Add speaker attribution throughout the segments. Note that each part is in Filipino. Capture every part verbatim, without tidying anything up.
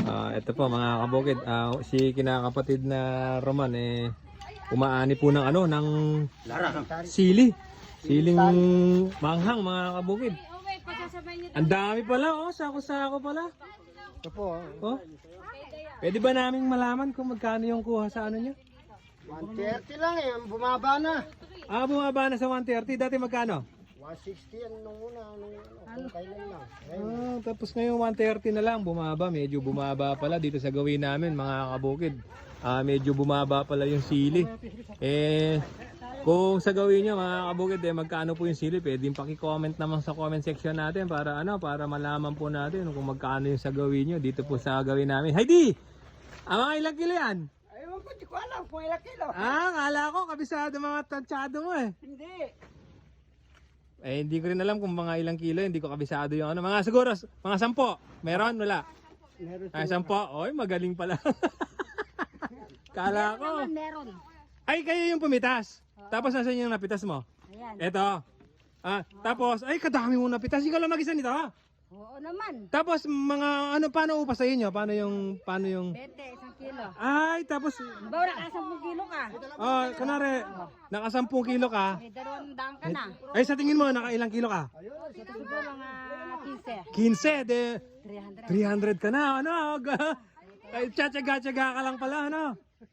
Speaker 1: Ah, ito po mga kabukid, ah, si kinakapatid na Roman eh umaani po ng ano ng sili. Siling manghang mga kabukid. Ang dami pala oh, sako-sako pala.
Speaker 2: Ito po,
Speaker 1: Oh. Pwede ba naming malaman kung magkano yung kuha sa ano niyo?
Speaker 2: one thirty lang eh, bumaba na.
Speaker 1: Ah, bumaba na sa one thirty, dati magkano?
Speaker 2: one sixty yan nung una, nung ano, kailan lang.
Speaker 1: Ah, tapos ngayon one thirty na lang, bumaba, medyo bumaba pala dito sa gawin namin mga kabukid. Ah, medyo bumaba pala yung sili. Eh, kung sa gawin nyo mga kabukid, eh, magkano po yung sili, pwedeng paki-comment naman sa comment section natin para ano, para malaman po natin kung magkano yung sa gawin nyo dito po sa gawin namin. Heidi! Ang mga ilang kilo yan?
Speaker 2: Ayun ko, di ko alam kung ilang kilo.
Speaker 1: Ah, kala ko kabisado mga tansyado mo eh.
Speaker 2: Hindi.
Speaker 1: Eh, hindi ko rin alam kung mga ilang kilo, hindi ko kabisado yung ano. Mga siguro, mga sampo. Meron? Wala?
Speaker 2: Meron
Speaker 1: Ay, sampo. Oy, magaling pala. Kala ko.
Speaker 3: Meron.
Speaker 1: Ay, kayo yung pumitas. Tapos nasan yung napitas mo?
Speaker 3: Ayan.
Speaker 1: Eto. Ah, tapos, ay, kadami mo napitas. Ikaw lang mag-isa nito, ha?
Speaker 3: Oo naman.
Speaker 1: Tapos, mga, ano, paano upas sa inyo? Paano yung, paano yung...
Speaker 3: Bete, isang kilo.
Speaker 1: Ay, tapos,
Speaker 3: Bawa na kasampung kilo ka.
Speaker 1: oh, kunwari, nakasampung kilo ka.
Speaker 3: May dalawang daan ka na.
Speaker 1: Ay, sa tingin mo, nakailang kilo ka?
Speaker 3: Ito siguro mga fifty.
Speaker 1: quince, de,
Speaker 3: three hundred.
Speaker 1: three hundred ka na, ano? Ay, tiyatsaga-tsaga ka lang pala, ano?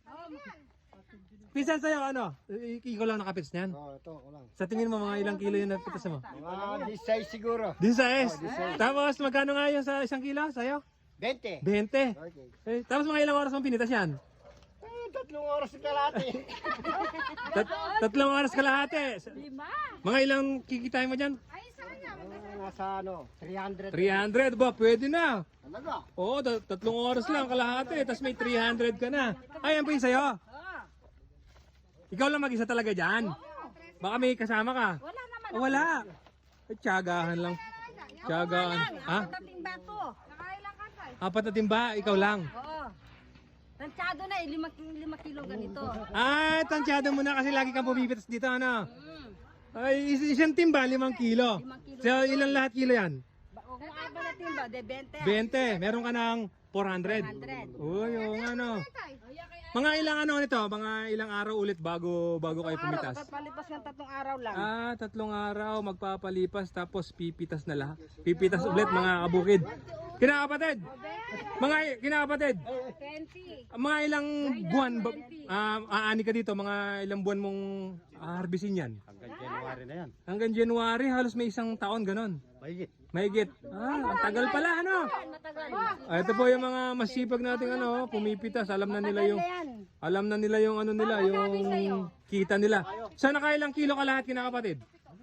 Speaker 1: Pisan sa'yo, ano? I- Ikaw lang nakapits niyan?
Speaker 2: Oh, ito ko lang.
Speaker 1: Sa tingin mo, mga ilang kilo yung napitas mo?
Speaker 2: Mga disay siguro.
Speaker 1: Di sa S. Tapos, magkano nga yung sa isang kilo sa'yo?
Speaker 2: twenty.
Speaker 1: twenty.
Speaker 2: Okay.
Speaker 1: Eh, tapos mga ilang oras mong pinitas yan?
Speaker 2: Eh, tatlong oras na kalahati.
Speaker 1: Tat- tatlong oras kalahati.
Speaker 3: Lima.
Speaker 1: Mga ilang kikitain mo dyan?
Speaker 2: Ah, nasa ano, three hundred.
Speaker 1: three hundred ba? Pwede na.
Speaker 2: Talaga?
Speaker 1: Oo, tat- tatlong oras lang kalahati. Tapos may three hundred ka na. Ay, yan po yung sa'yo. Ikaw lang mag-isa talaga dyan. Baka may kasama ka.
Speaker 3: Wala naman.
Speaker 1: Oh, wala. Ay, tiyagahan lang. Tiyagahan. Ha?
Speaker 3: Tating bato. Nakailang ka tayo.
Speaker 1: Apat na timba, ikaw lang.
Speaker 3: Oo. Tansyado na eh. Lima, lima kilo ganito.
Speaker 1: Ay, tansyado mo na kasi lagi kang pumipitas dito, ano?
Speaker 3: Mm.
Speaker 1: Ay, is- isang timba, limang kilo.
Speaker 3: Limang kilo.
Speaker 1: So, ilang lahat kilo yan?
Speaker 3: Ba- o Kung apat na timba, de twenty.
Speaker 1: twenty. Meron ka ng four hundred.
Speaker 3: four hundred.
Speaker 1: Uy, oo nga, no. Mga ilang ano nito? Mga ilang araw ulit bago bago kayo pumitas?
Speaker 3: Araw, palipas ng tatlong araw lang.
Speaker 1: Ah, tatlong araw magpapalipas tapos pipitas na lahat. Pipitas ulit mga kabukid. Kinakapatid. Mga kinakapatid.
Speaker 3: twenty.
Speaker 1: Mga ilang buwan ba, ah, aani ka dito? Mga ilang buwan mong harbisin yan?
Speaker 2: Hanggang January na yan.
Speaker 1: Hanggang January, halos may isang taon ganon.
Speaker 2: Mahigit.
Speaker 1: Mahigit. Ah, ang tagal pala ano.
Speaker 3: Matagal.
Speaker 1: Ah, ito po yung mga masipag nating ano, pumipitas. Alam na nila yung
Speaker 3: Yan.
Speaker 1: alam na nila yung ano nila, yung kita nila. Sa nakailang kilo ka lahat kinakapatid?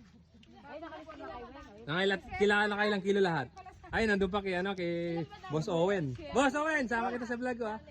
Speaker 1: Nakailang kila nakailang kilo lahat. Ay, nandun pa kay ano, kay Boss Owen. Boss Owen, sama kita sa vlog ko ah.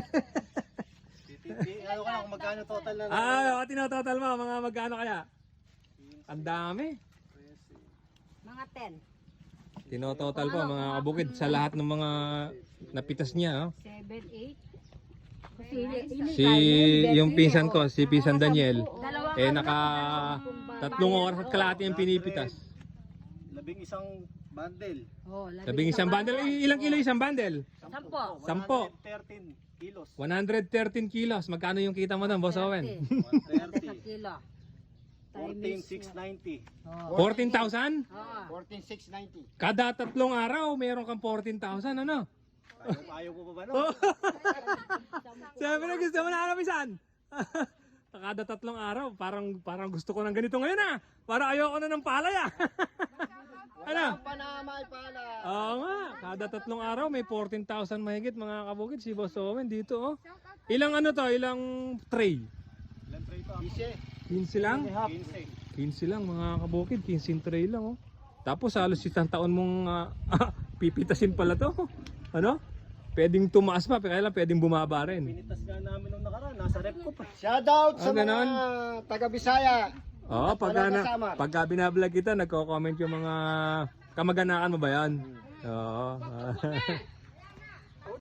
Speaker 2: Ano ka lang kung magkano total na
Speaker 1: Ah, oh, tinototal mo, mga magkano kaya? Ang dami.
Speaker 3: Mga ten.
Speaker 1: Tinototal po mga kabukid sa lahat ng mga napitas niya. Oh.
Speaker 3: seven, eight.
Speaker 1: Si yung pinsan ko, si Pinsan Daniel, eh naka tatlong oras at kalahati yung pinipitas.
Speaker 2: labing isang bundle.
Speaker 3: Oh,
Speaker 1: Labing isang bundle. I- Ilang kilo isang bundle?
Speaker 3: Sampo.
Speaker 1: Sampo.
Speaker 2: thirteen kilos.
Speaker 1: one hundred thirteen kilos. Magkano yung kita mo doon, Boss Owen?
Speaker 2: one thirty.
Speaker 3: Isang kilo.
Speaker 2: fourteen six ninety.
Speaker 3: Oh.
Speaker 1: fourteen thousand?
Speaker 3: Oo.
Speaker 2: fourteen six ninety.
Speaker 1: Kada tatlong araw, meron kang fourteen thousand, ano?
Speaker 2: Ayaw, ayaw mo pa ba no?
Speaker 1: Oh. Siyempre, gusto mo na ano, Pisan? Kada tatlong araw, parang parang gusto ko ng ganito ngayon ah. Para ayoko na ng palay ah. Ano?
Speaker 2: Wala pa na may pala.
Speaker 1: Oo nga, kada tatlong araw may fourteen thousand mahigit mga kabukid si Boss Owen dito oh. Ilang ano to, ilang tray?
Speaker 2: Ilan tray to? Ise.
Speaker 1: quince lang?
Speaker 2: quince.
Speaker 1: quince lang mga kabukid, quince tray lang oh. Tapos halos isang taon mong ah, pipitasin pala to. Ano? Pwedeng tumaas pa, kaya lang pwedeng bumaba rin.
Speaker 2: Pinitas nga namin nung nakaraan, nasa rep ko pa. Shoutout
Speaker 1: Ah,
Speaker 2: sa mga
Speaker 1: ganon?
Speaker 2: taga Bisaya.
Speaker 1: Oo, pagka, na,
Speaker 2: kasama.
Speaker 1: pagka binablog kita, nagko-comment yung mga kamag-anakan mo ba yan? Oo.